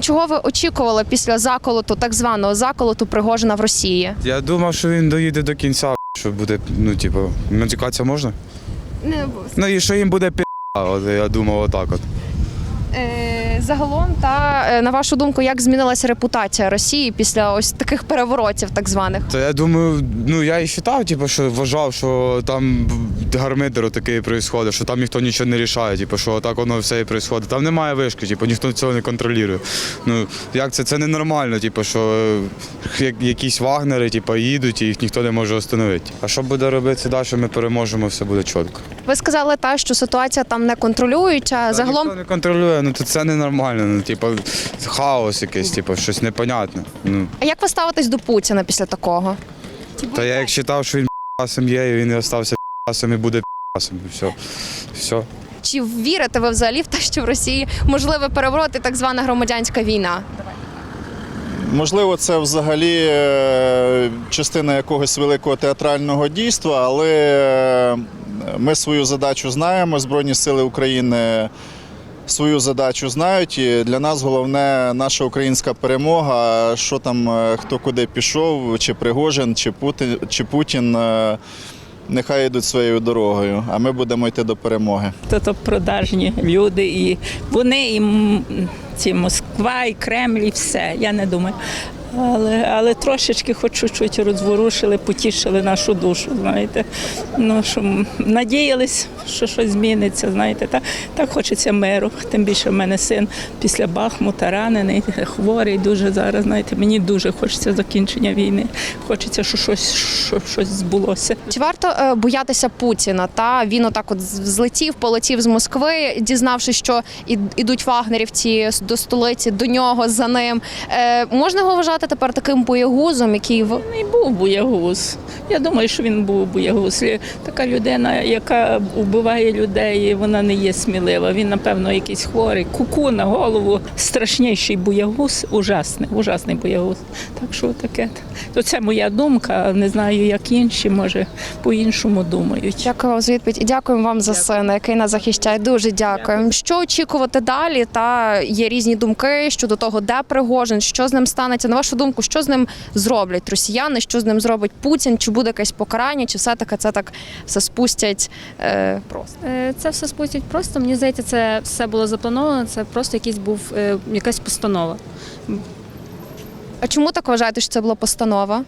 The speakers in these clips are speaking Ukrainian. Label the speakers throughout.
Speaker 1: чого ви очікували після заколоту, так званого заколоту Пригожина в Росії?
Speaker 2: Я думав, що він доїде до кінця, що буде, матюкатися можна?
Speaker 1: Не обов'язково.
Speaker 2: І що їм буде я думав отак от.
Speaker 1: Загалом, на вашу думку, як змінилася репутація Росії після ось таких переворотів так званих?
Speaker 2: То я думаю, я і вважав, що вважав, що там гармидер такий відбувається, що там ніхто нічого не рішає, що так воно все і відбувається. Там немає вишки, ніхто цього не контролює. Як це? Це ненормально, що якісь вагнери їдуть і їх ніхто не може остановити. А що буде робити далі, ми переможемо, все буде чітко.
Speaker 1: Ви сказали, що ситуація там не контролюється, загалом…
Speaker 2: Ніхто не контролює, то це ненормально, хаос якийсь, щось непонятне.
Speaker 1: А як ви ставитесь до Путіна після такого?
Speaker 2: Та я як вважав, що він п***сом є, і він і залишився п***сом і буде п***сом, і все.
Speaker 1: Чи вірите ви взагалі в те, що в Росії можливий переворот і так звана громадянська війна?
Speaker 3: Можливо, це взагалі частина якогось великого театрального дійства, але ми свою задачу знаємо, Збройні сили України свою задачу знають, і для нас головне наша українська перемога, що там, хто куди пішов, чи Пригожин, чи Путін, нехай йдуть своєю дорогою, а ми будемо йти до перемоги.
Speaker 4: То продажні люди, і вони, і ці Москва, і Кремль, і все, я не думаю. Але трошечки хоч чуть-чуть розворушили, потішили нашу душу, знаєте. Що надіялись, що щось зміниться, знаєте. Так хочеться миру. Тим більше в мене син після Бахмута ранений, хворий дуже зараз, знаєте. Мені дуже хочеться закінчення війни. Хочеться, щоб щось збулося.
Speaker 1: Чи варто боятися Путіна? Він отак от злетів, полетів з Москви, дізнавшись, що ідуть вагнерівці до столиці, до нього, за ним. Можна його вважати тепер таким боягузом, який…
Speaker 4: Він і був боягуз. Я думаю, що він був боягуз. Така людина, яка вбиває людей, вона не є смілива. Він, напевно, якийсь хворий. Куку на голову. Страшніший боягуз. Ужасний боягуз. Так що таке. То це моя думка. Не знаю, як інші, може, по-іншому думають.
Speaker 1: Дякую вам за відповідь і дякуємо вам за сина, який нас захищає. Дуже дякуємо. Що очікувати далі? Є різні думки щодо того, де Пригожин, що з ним станеться. На вашу думку, що з ним зроблять росіяни, що з ним зробить Путін, чи буде якесь покарання, чи все-таки це так все спустять просто?
Speaker 5: Це все спустять просто. Мені здається, це все було заплановано, це просто якась постанова.
Speaker 1: А чому так вважаєте, що це була постанова?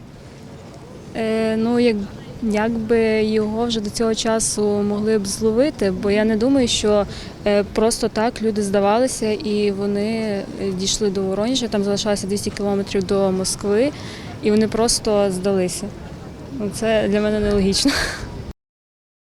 Speaker 5: Якби його вже до цього часу могли б зловити, бо я не думаю, що просто так люди здавалися і вони дійшли до Воронежа, там залишалося 200 кілометрів до Москви, і вони просто здалися. Це для мене нелогічно.